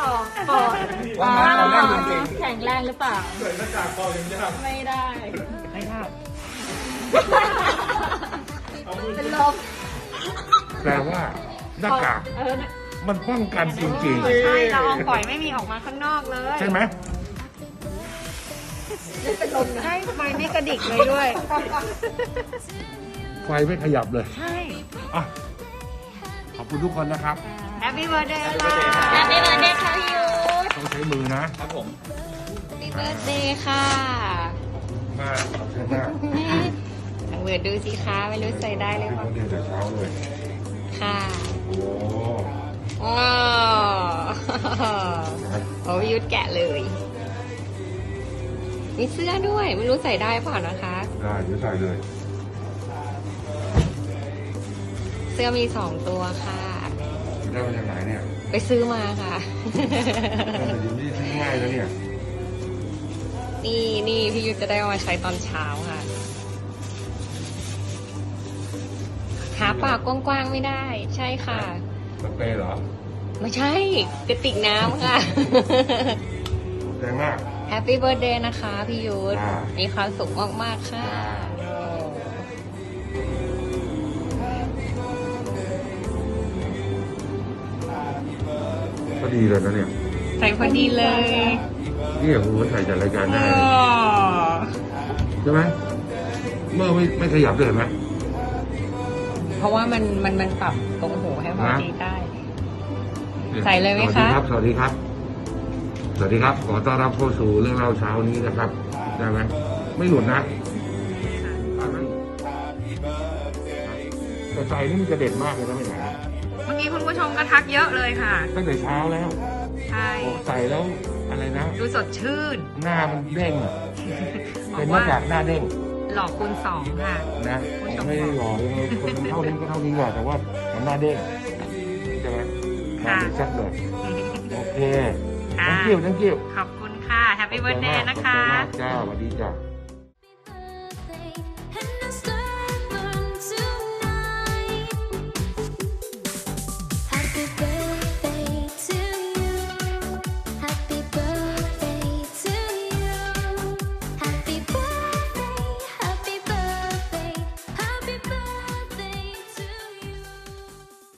ปอว่ามาเราเล่นจริงแข็งแรงหรือเปล่าใส่หน้ากากเปล่ายังยากไม่ได้ไม่ได้เป็นลมแปลว่าหน้ากากมันป้องกันจริงใช่ละอองฝอยไม่มีออกมาข้างนอกเลยๆ ใช่ไหมใช่ไฟไม่กระดิกเลยด้วยไฟไม่ขยับเลยใช่อ่ะขอบคุณทุกคนนะครับแฮปปี้เบิร์ดเดย์ค่ะแฮปปี้เบิร์ดเดย์ค่ะพี่ยุทธต้องใช้มือนะครับผมแฮปปี้เบิร์ดเดย์ค่ะมาขอบคุณมากลองเปิดดูสิคะไม่รู้ใส่ได้หรือพี่เปล่าเขาเดินแต่เช้าเลยค่ะโอ้โอ้โอ้พี่ยุทธแกะเลย มีเสื้อด้วย ไม่รู้ใส่ได้เปล่านะคะได้เดี๋ยวใส่เลยเสื้อมี2ตัวค่ะได้มาจากไหนเนี่ยไปซื้อมาค่ะแต่อยู่นี่ซื้อง่ายแล้วเนี่ยนี่พี่ยุทธจะได้เอามาใช้ตอนเช้าค่ะ หาปากกว้างๆไม่ได้ ใช่ค่ะสเปรย์เหรอไม่ใช่กระติกน้ำค่ะแรงมากแฮปปี้เบิร์ดเดย์นะคะพี่ยุทธอ่ามีมีความสุขมาก ๆ ค่ะก็ดีเลยนะเนี่ยใส่พอดีเลยนี่โอ้โหใส่จัดรายการได้เลยใช่ไหมเมื่อไม่ขยับเลยเห็นไหมเพราะว่ามันปรับตรงหูให้พอดีได้นี่ใส่เลยไหมคะสวัสดีครับ สวัสดีครับ ขอต้อนรับเข้าสู่เรื่องเล่าเช้านี้นะครับ ได้ไหม ไม่หลุดนะแต่ใส่นี่มันจะเด่นมากเลยนะไม่ไหนเมื่อกี้คุณผู้ชมก็ทักเยอะเลยค่ะตั้งแต่เช้าแล้วใช่โอ้ใส่แล้วอะไรนะดูสดชื่นหน้ามันเด้งอะบอเป็นกหว่าน้ากากหน้าเด้งหลอกคูณ2ค่ะนะไม่ได้หล่อยังไงคนมันเท่านี้ก็เท่านี้กว่าแต่ว่ามันหน้าเด้งใช่ไหมหน้าค่ะเด้งชัดเลยโอเคค่ะทั้งกิ้วขอบคุณค่ะแฮปปี้เบิร์ดเดย์นะคะขอบคุณมากจ้าสวัสดีจ้า